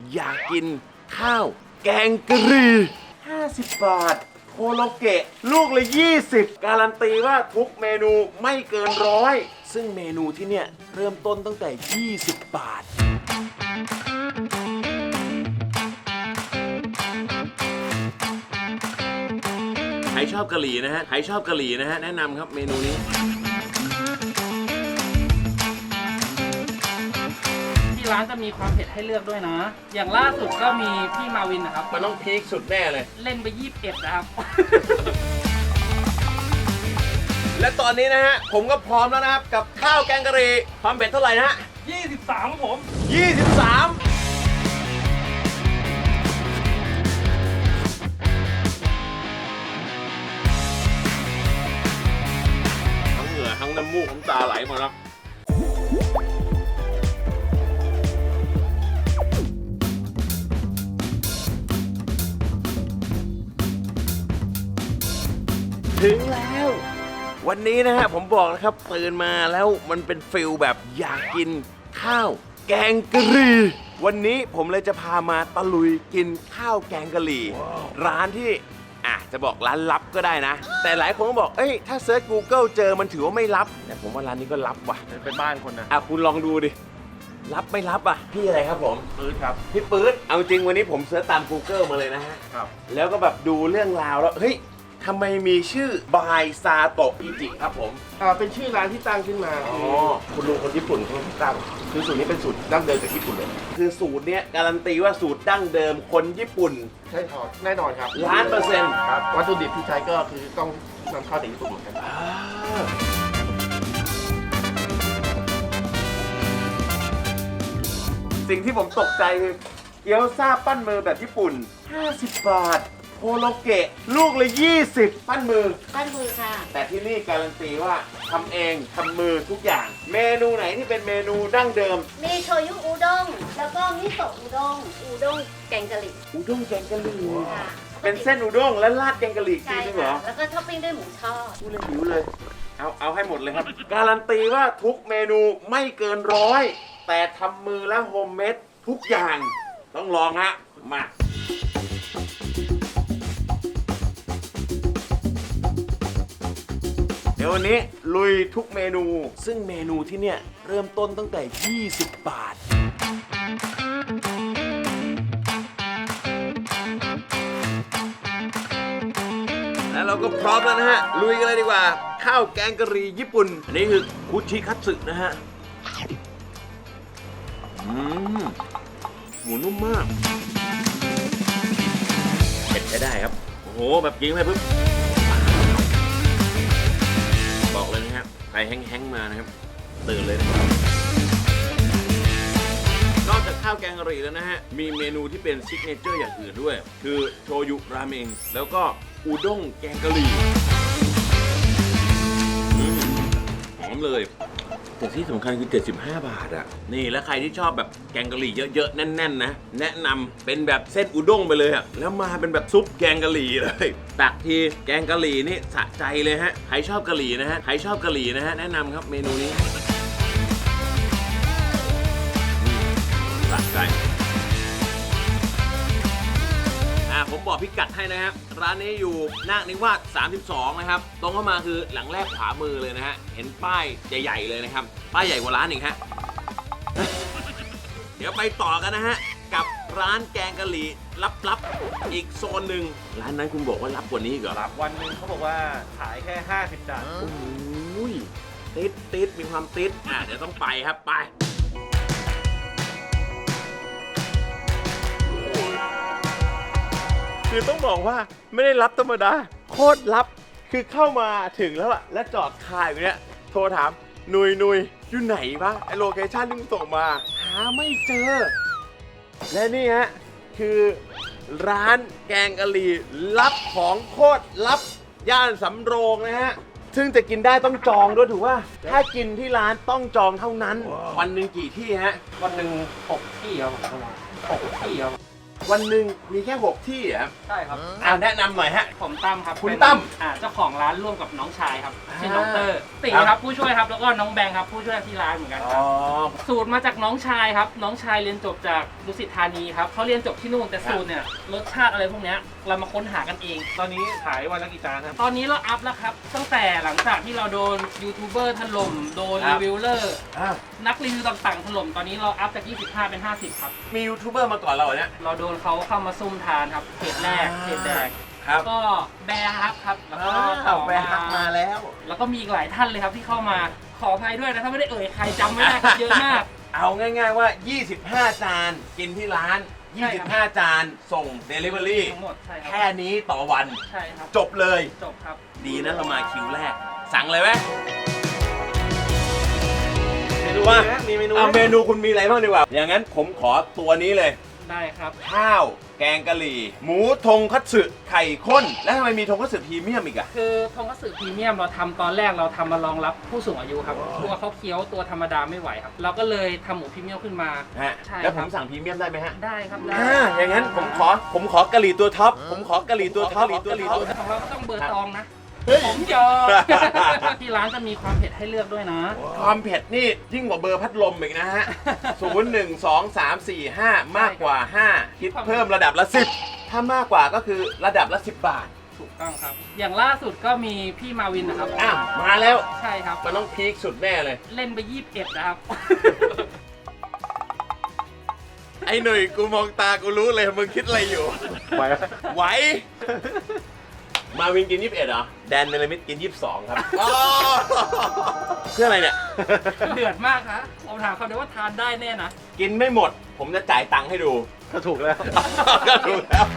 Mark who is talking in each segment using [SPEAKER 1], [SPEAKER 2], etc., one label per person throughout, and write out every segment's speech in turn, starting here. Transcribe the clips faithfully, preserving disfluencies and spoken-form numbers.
[SPEAKER 1] อยากกินข้าวแกงกะหรี่ห้าสิบบาทโคโลเกะลูกละยี่สิบการันตีว่าทุกเมนูไม่เกินร้อยซึ่งเมนูที่เนี่ยเริ่มต้นตั้งแต่ยี่สิบบาทใครชอบกะหรี่นะฮะใครชอบกะหรี่นะฮะแนะนำครับเมนูนี้
[SPEAKER 2] ที่ร้านจะมีความเผ็ดให้เลือกด้วยนะอย่างล่าสุดก็มีพี่มาวินนะครับ
[SPEAKER 1] มันต้องพีคสุดแน่เลย
[SPEAKER 2] เล่นไปยี่สิบเอ็ดนะครับ
[SPEAKER 1] และตอนนี้นะฮะผมก็พร้อมแล้วนะครับกับข้าวแกงกะหรี่ความเผ็ดเท่าไหร่นะฮะ
[SPEAKER 2] ยี่สิบสามครับผม
[SPEAKER 1] ยี่สิบสามทั้งเหงื่อทั้งน้ำมูกน้ำตาไหลหมดแล้วถึงแล้ววันนี้นะฮะผมบอกนะครับตื่นมาแล้วมันเป็นฟิลแบบอยากกินข้าวแกงกะหรี่วันนี้ผมเลยจะพามาตะลุยกินข้าวแกงกะหรี่ wow. ร้านที่อ่ะจะบอกร้านลับก็ได้นะแต่หลายคนก็บอกเอ้ยถ้าเซิร์ช Google เจอมันถือว่าไม่ลับแต่ผมว่าร้านนี้ก็ลับว่ะ
[SPEAKER 3] เป็นบ้านคนนะ
[SPEAKER 1] อ่ะคุณลองดูดิลับไม่ลับอ่ะพี่อะไรครับผม
[SPEAKER 3] ปื๊ดครับ
[SPEAKER 1] พี่ปื๊ดเอาจริงวันนี้ผมเซิร์ชตาม Google มาเลยนะฮะ
[SPEAKER 3] ครับ
[SPEAKER 1] แล้วก็แบบดูเรื่องราวแล้วเฮ้ยทำไมมีชื่อบายซาโตะอิจิครับผม
[SPEAKER 3] อ่าเป็นชื่อร้านที่ตั้งขึ้นมาอ๋อคุณลุงคนญี่ปุ่นเขาตั้งคือสูตรนี้เป็นสูตรดั้งเดิมจากญี่ปุ่นเลย
[SPEAKER 1] คือสูตรเนี้ยการันตีว่าสูตรดั้งเดิมคนญี่ปุ่น
[SPEAKER 3] ใช่ครับแน่นอนครับ
[SPEAKER 1] ล้านเปอร์เซ็นต์
[SPEAKER 3] ครับวัตถุดิบที่ใช้ก็คือต้องนำเข้าจากญี่ปุ่นเหมือนกัน
[SPEAKER 1] สิ่งที่ผมตกใจคือเกี๊ยวซ่าปั้นมือแบบญี่ปุ่นห้าสิบบาทโคโลเกะลูกละยี่สิบปั้นมือ
[SPEAKER 4] ปั้นมือค่ะ
[SPEAKER 1] แต่ที่นี่การันตีว่าทำเองทำมือทุกอย่างเมนูไหนที่เป็นเมนูดั้งเดิม
[SPEAKER 4] มีโชยุอุด้งแล้วก็มิโซะอุด้งอุด้งแกงกะหรี่
[SPEAKER 1] อุด้งแกงกะหรี่เป็นเส้นอุด้งและราดแกงกะหรี่จริงเหรอ
[SPEAKER 4] แล้วก็ท็อปปิ้งด้วยหมูทอด
[SPEAKER 1] พูดเลยหิวเลยเอาเอาให้หมดเลยครับการันตีว่าทุกเมนูไม่เกินร้อยแต่ทำมือและโฮมเมดทุกอย่างต้องลองฮะมาเดี๋ยววันนี้ลุยทุกเมนูซึ่งเมนูที่เนี่ยเริ่มต้นตั้งแต่ยี่สิบบาทแล้วเราก็พร้อมแล้วนะฮะลุยกันเลยดีกว่าข้าวแกงกะหรี่ญี่ปุ่นอันนี้คือคุชิคัตสึนะฮะอืมหมูนุ่มมากเผ็ดใช้ได้ครับโอ้โหแบบยิงไปปุ๊บบอกเลยนะครับใครแห้งๆมานะครับตื่นเลยนะครับนอกจากข้าวแกงกะหรี่แล้วนะฮะมีเมนูที่เป็นซิกเนเจอร์อย่างอื่นด้วยคือโชยุราเมงแล้วก็อุด้งแกงกะหรี่หอมเลยแต่ที่สำคัญคือเจ็ดสิบห้าบาทอ่ะนี่แล้วใครที่ชอบแบบแกงกะหรี่เยอะๆแน่นๆนะแนะนำเป็นแบบเส้นอุด้งไปเลยอ่ะแล้วมาเป็นแบบซุปแกงกะหรี่เลยตักทีแกงกะหรี่นี่สะใจเลยฮะใครชอบกะหรี่นะฮะใครชอบกะหรี่นะฮะแนะนำครับเมนูนี้สะใจผมบอกพิกัดให้นะครับร้านนี้อยู่นาคนิวาสสามสิบสองนะครับตรงเข้ามาคือหลังแรกขวามือเลยนะฮะเห็นป้ายใหญ่ๆเลยนะครับป้ายใหญ่กว่าร้านอีกฮะ เดี๋ยวไปต่อกันนะฮะกับร้านแกงกะหรี่ลับๆอีกโซนหนึ่งร้านนั้นคุณบอกว่าลับกว่านี้เหรอ
[SPEAKER 3] รับวันนึงเขาบอกว่าขายแค่ห้าสิบจาน
[SPEAKER 1] โอ้ยติดติดมีความติดอ่ะเดี๋ยวต้องไปครับไปคือต้องบอกว่าไม่ได้รับธรรมดาโคตรลับคือเข้ามาถึงแล้วอะและจอดคาอยู่เนี้ยโทรถามนุยนุยอยู่ไหนวะไอโลเคชั่นที่มึงส่งมาหาไม่เจอและนี่ฮะคือร้านแกงกะหรี่ลับของโคตรลับย่านสำโรงนะฮะซึ่งจะกินได้ต้องจองด้วยถูกป่ะถ้ากินที่ร้านต้องจองเท่านั้น wow. วันหนึ่งกี่ที่ฮะ
[SPEAKER 2] วันหนึ่งหกที่ครับหกที่ครับ
[SPEAKER 1] วันหนึ่งมีแค่หกที่เหรอครับ
[SPEAKER 2] ใช่ครับ
[SPEAKER 1] อ่าแนะนำหน่อยฮะ
[SPEAKER 2] ผมตั้มครับ
[SPEAKER 1] คุณ
[SPEAKER 2] เป็น
[SPEAKER 1] ตั้ม
[SPEAKER 2] อ่าเจ้าของร้านร่วมกับน้องชายครับชื่อ
[SPEAKER 1] อ่า
[SPEAKER 2] น้องเตอร์ตี
[SPEAKER 1] ครับ
[SPEAKER 2] ครับผู้ช่วยครับแล้วก็น้องแบงค์ครับผู้ช่วยที่ร้านเหมือนกันค
[SPEAKER 1] อ๋
[SPEAKER 2] รั
[SPEAKER 1] อ
[SPEAKER 2] บสูตรมาจากน้องชายครับน้องชายเรียนจบจากดุสิตธานีครับเขาเรียนจบที่นู่นแต่สูตรเนี่ยรสชาติอะไรพวกเนี้ยเรามาค้นหากันเอง
[SPEAKER 3] ตอนนี้ขายวันละกี่จานครับ
[SPEAKER 2] ตอนนี้เราอัพแล้วครับตั้งแต่หลังจากที่เราโดนยูทูบเบอร์ถล่มโดน
[SPEAKER 1] ครั
[SPEAKER 2] รี
[SPEAKER 1] บ
[SPEAKER 2] วิวเลอร์
[SPEAKER 1] อ่ะ
[SPEAKER 2] นักรีวิวต่างๆถล่มตอนนี้เราอัพจากยี่สิบห้าเป็นห้าสิบครับ
[SPEAKER 1] มียูทูบเบอร์มาก่อนเราเหรอเนี่ย
[SPEAKER 2] เราโดนเขาเข้ามาซุ่มทานครับเพจแรก
[SPEAKER 1] อ่า
[SPEAKER 2] เพจแรก
[SPEAKER 1] ครับ
[SPEAKER 2] ก็แบร์ฮักครับแล้วก็
[SPEAKER 1] อ้า
[SPEAKER 2] ต่อ
[SPEAKER 1] วแบร์ฮักมาแล้ว
[SPEAKER 2] แล้วก็มีอีกหลายท่านเลยครับที่เข้ามาขออภัยด้วยนะถ้าไม่ได้เอ่ยใครจำไม่ได้ครับเยอะมาก
[SPEAKER 1] เอาง่ายๆว่า ยี่สิบห้า จานกินที่ร้าน
[SPEAKER 2] ใช่ครับ
[SPEAKER 1] ยี่สิบห้า จานส่ง Delivery
[SPEAKER 2] ทั้งหมดใช่ครั
[SPEAKER 1] แค่นี้ต่อวัน
[SPEAKER 2] ใช่ครับ
[SPEAKER 1] จบเลย
[SPEAKER 2] จบครับ
[SPEAKER 1] ดีนะเรามาคิวแรก สั่งเลยไหม
[SPEAKER 3] เมนู
[SPEAKER 1] ว่า
[SPEAKER 3] นะมีเมนู
[SPEAKER 1] เอา
[SPEAKER 3] ไหม
[SPEAKER 1] เมนูคุณมีอะไรบ้างดีกว่า อย่างนั้นผมขอตัวนี้เลย
[SPEAKER 2] ได้ครับ
[SPEAKER 1] ข้าว แกงกะหรี่ หมูทงคัตสึไข่ข้น แล้วทำไมมีทงคัตสึพรีเมียมอีกอะ
[SPEAKER 2] คือทงคัตสึพรีเมียมเราทำตอนแรกเราทำมารองรับผู้สูงอายุครับตัวเขาเคี้ยวตัวธรรมดาไม่ไหวครับ เราก็เลยทำหมูพรีเมียมขึ้นมา
[SPEAKER 1] ฮะ
[SPEAKER 2] ใช่
[SPEAKER 1] แล้วผม
[SPEAKER 2] ครับ
[SPEAKER 1] สั่งพรีเมียมได้ไหมฮะ
[SPEAKER 2] ได้ครับได้
[SPEAKER 1] อ่าอย่างนั้นผมขอผมขอกะหรี่ตัวท็อป ผมขอกะหรี่ตัวท็อปกะหรี่ตัวท็อป
[SPEAKER 2] ของเราก็ต้องเบอร์ตองนะ
[SPEAKER 1] เฮ้ย
[SPEAKER 2] ผมยอม ที่ร้านจะมีความเผ็ดให้เลือกด้วยนะ
[SPEAKER 1] ความเผ็ดนี่ยิ่งกว่าเบอร์พัดลมอีกนะฮะ ศูนย์ หนึ่ง สอง สาม สี่ ห้า มากกว่า ห้า คิดเพิ่มระดับละ สิบ ถ้ามากกว่าก็คือระดับละ สิบบาท
[SPEAKER 2] ถูกต้องครับ อย่างล่าสุดก็มีพี่มาวินนะครับ
[SPEAKER 1] อ้าว มาแล้ว
[SPEAKER 2] ใช่ครับ
[SPEAKER 1] มันต้องพีคสุดแน่เลย
[SPEAKER 2] เล่นไปยี่สิบเอ็ดนะครับ
[SPEAKER 1] ไอ้หนุ่ยกูมองตากูรู้เลยมึงคิดอะไรอยู่
[SPEAKER 3] ไหวไหม
[SPEAKER 1] ไหว มาวินกินยี่สิบเอ็ดเหรอ แดนเนลมิดกินยี่สิบสองครับเพื่ออะไรเนี่ย
[SPEAKER 2] เดือดมากครับผมถามเขาเดี๋ยวว่าทานได้แน่นะ
[SPEAKER 1] กินไม่หมด ผมจะจ่ายตังค์ให้ดู
[SPEAKER 3] ก็ถูกแล้ว
[SPEAKER 1] ก็ถูกแล้ว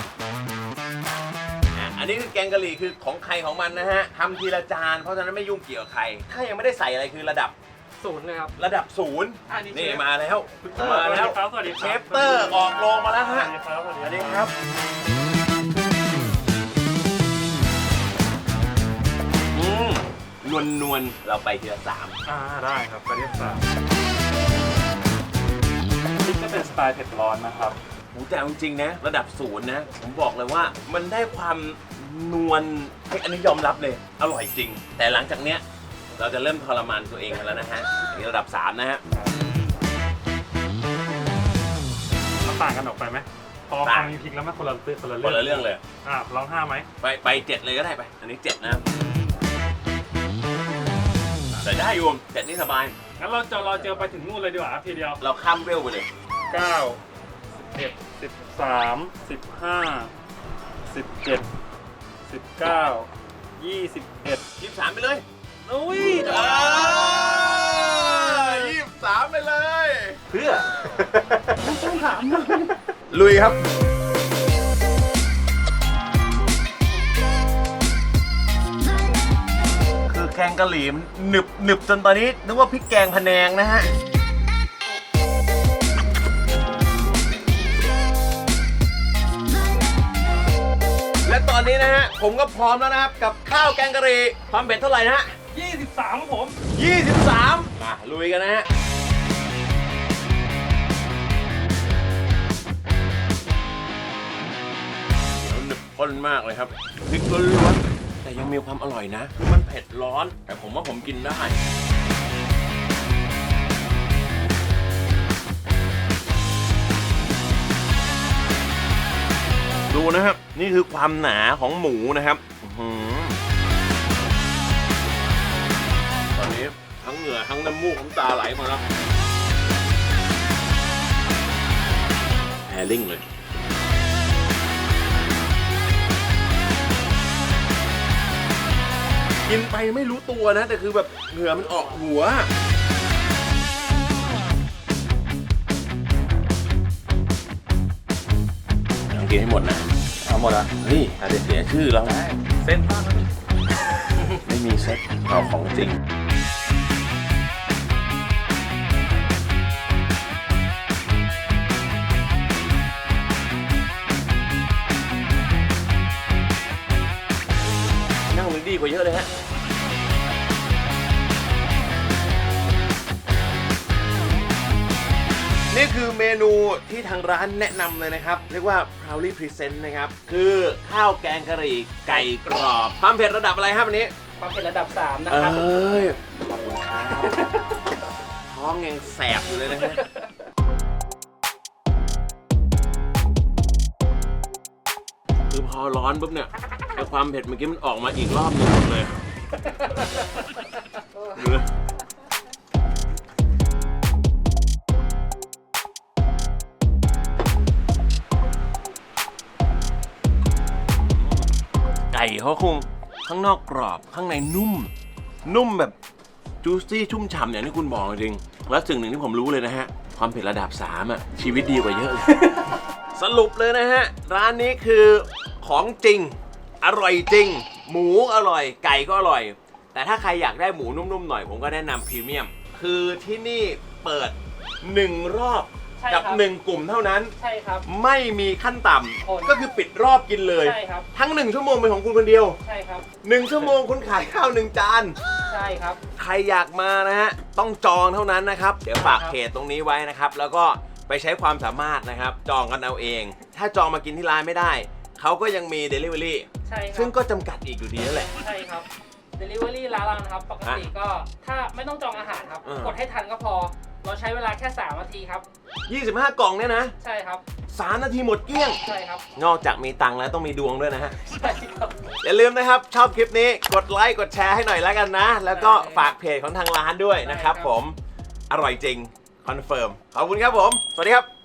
[SPEAKER 1] อ่ะอันนี้คือแกงกะหรี่คือของใครของมันนะฮะทำทีละจาน เพราะฉะนั้นไม่ยุ่งเกี่ยวกับใคร ถ้ายังไม่ได้ใส่อะไรคือระดับ
[SPEAKER 2] ศูนย์เลยครับ
[SPEAKER 1] ระดับศูนย์
[SPEAKER 2] อันนี้
[SPEAKER 1] นี่
[SPEAKER 2] เชฟ
[SPEAKER 1] มาแล้ว มาแล้ว
[SPEAKER 2] สวัสดีครับ
[SPEAKER 1] เชฟเตอร์ออกโรงมาแล้วฮะ
[SPEAKER 2] สวัสดีครับ
[SPEAKER 1] สวัสดีครับ อืมนวลนวลๆเราไปทีละสาม
[SPEAKER 5] อ่าได้ครับประเด็นสามนี่ก็เป็นสไตล์เผ็ดร้อนนะครับ
[SPEAKER 1] หมูแต่เอาจริงๆนะ ระดับศูนย์นะ ผมบอกเลยว่ามันได้ความนวลเฮ้ยอันนี้ยอมรับเลย อร่อยจริง แต่หลังจากเนี้ย เราจะเริ่มทรมานตัวเองกันแล้วนะฮะอันนี้ระดับสามนะฮะ
[SPEAKER 5] มันต่างกันออกไปไหมพอ
[SPEAKER 1] ต่า
[SPEAKER 5] ฟั
[SPEAKER 1] ง
[SPEAKER 5] งมีพริกแล้วมันคนละเรื่องคนละ
[SPEAKER 1] คนละเรื่องเลย
[SPEAKER 5] อ่ะลองห้าไหม
[SPEAKER 1] ไปไปเจ็ดเลยก็ได้ไป อันนี้เจ็ดนะแต่ได้อยู่เจ็ดนี่สบาย
[SPEAKER 5] งั้นเราจะเราเจอไปถึงนู่นเลยดีกว่าครับทีเดียว
[SPEAKER 1] เราข้ามเวลไปเลย
[SPEAKER 5] เก้าสิบเอ็ดสิบสามสิบห้าสิบเจ็ดสิบเก้ายี่สิบเอ็ด
[SPEAKER 1] ยี่สิบสามไปเลย
[SPEAKER 5] อุ้ย
[SPEAKER 1] ยี่สิบสามไปเลย
[SPEAKER 3] เพื่อ
[SPEAKER 1] ลุยครับ คือแกงกะหรี่มันหนึบหนึบจนตอนนี้นึกว่าพริกแกงพะแนงนะฮะ และตอนนี้นะฮะ ผมก็พร้อมแล้วนะครับ กับข้าวแกงกะหรี่ความเผ็ดเท่าไหร่นะฮะ
[SPEAKER 5] ยี่สิบสามผม
[SPEAKER 1] ยี่สิบสามมาลุยกันนะฮะ หนึบข้นมากเลยครับพริกล้วนๆแต่ยังมีความอร่อยนะคือมันเผ็ดร้อน แต่ผมว่าผมกินได้ ดูนะครับ นี่คือความหนาของหมูนะครับอื้อหือตอนนี้ทั้งเหงื่อทั้งน้ำมูกน้ำตาไหลมาแล้วแฮร์ริ่งเลย กินไปไม่รู้ตัวนะ แต่คือแบบเหงื่อมันออกหัว ต้องกินให้หมดนะ
[SPEAKER 3] เอาหมดอ่ะ
[SPEAKER 1] เฮ้ยอาจจะเสียชื่อเรา
[SPEAKER 3] เส้นบ้างนะ
[SPEAKER 1] ไม่มีเซ็ตเอาของจริง นั่งเลยดีกว่าเยอะเลยฮะ นี่คือเมนูที่ทางร้านแนะนำเลยนะครับ เรียกว่า proudly present นะครับ คือข้าวแกงกะหรี่ไก่กรอบความเผ็ดระดับอะไรครับวันนี้
[SPEAKER 2] ความเป็นระดับสามนะ
[SPEAKER 1] เอ
[SPEAKER 2] ครับ
[SPEAKER 1] ้ยขอบคุณครับท้องยังแสบอยู่เลยนะฮะคือพอร้อนปุ๊บเนี่ยไอความเผ็ดเมื่อกี้มันออกมาอีกรอบหนึงหมดเลยดูนะไก่เขาคงข้างนอกกรอบข้างในนุ่ม นุ่มแบบจูซี่ชุ่มฉ่ำอย่างที่คุณบอกจริงแล้วสิ่งหนึ่งที่ผมรู้เลยนะฮะ ความเผ็ดระดับสามอ่ะชีวิตดีกว่าเยอะเลย สรุปเลยนะฮะ ร้านนี้คือของจริง อร่อยจริง หมูอร่อย ไก่ก็อร่อย แต่ถ้าใครอยากได้หมูนุ่มๆหน่อยผมก็แนะนำพรีเมียม คือที่นี่เปิดหนึ่งรอบ
[SPEAKER 2] ใช่
[SPEAKER 1] กับ
[SPEAKER 2] ครับ
[SPEAKER 1] หนึ่งกลุ่มเท่านั้น
[SPEAKER 2] ใช่ครับ
[SPEAKER 1] ไม่มีขั้นต่
[SPEAKER 2] คน
[SPEAKER 1] ำก็คือปิดรอบกินเลย
[SPEAKER 2] ใช่ครับ
[SPEAKER 1] ทั้งหนึ่งชั่วโมงเป็นของคุณคนเดียว
[SPEAKER 2] ใช่ครับ
[SPEAKER 1] หนึ่งชั่วโมงคุณขายข้าวหนึ่งจาน
[SPEAKER 2] ใช่ครับ
[SPEAKER 1] ใครอยากมานะฮะ ต้องจองเท่านั้นนะครับ เดี๋ยวฝากเพจตรงนี้ไว้นะครับ แล้วก็ไปใช้ความสามารถนะครับ จองกันเอาเอง ถ้าจองมากินที่ร้านไม่ได้ เขาก็ยังมี Delivery
[SPEAKER 2] ใช่ครั
[SPEAKER 1] ซึ่งก็จำกัดอีกอยู่ดีนั่นแหละ
[SPEAKER 2] ใช่ครับ Delivery ร้านเรานะครับ ปกติก็ถ้าไม่ต้องจองอาหารครับ
[SPEAKER 1] เออ
[SPEAKER 2] กดให้ทันก็พอ เราใช้เวลาแค่สามนาทีครับ
[SPEAKER 1] ยี่สิบห้ากล่องเนี่ยนะ
[SPEAKER 2] ใช่ครับ
[SPEAKER 1] สามนาทีหมดเกลี้ยง
[SPEAKER 2] ใช่ครับ
[SPEAKER 1] นอกจากมีตังค์แล้วต้องมีดวงด้วยนะฮะ
[SPEAKER 2] ใช่ครับ
[SPEAKER 1] อย่าลืมนะครับ ชอบคลิปนี้กดไลค์กดแชร์ให้หน่อยแล้วกันนะ แล้วก็ฝากเพจของทางร้านด้วยนะครับ
[SPEAKER 2] ได้ครับ
[SPEAKER 1] ผม อร่อยจริง คอนเฟิร์ม ขอบคุณครับผม สวัสดีครับ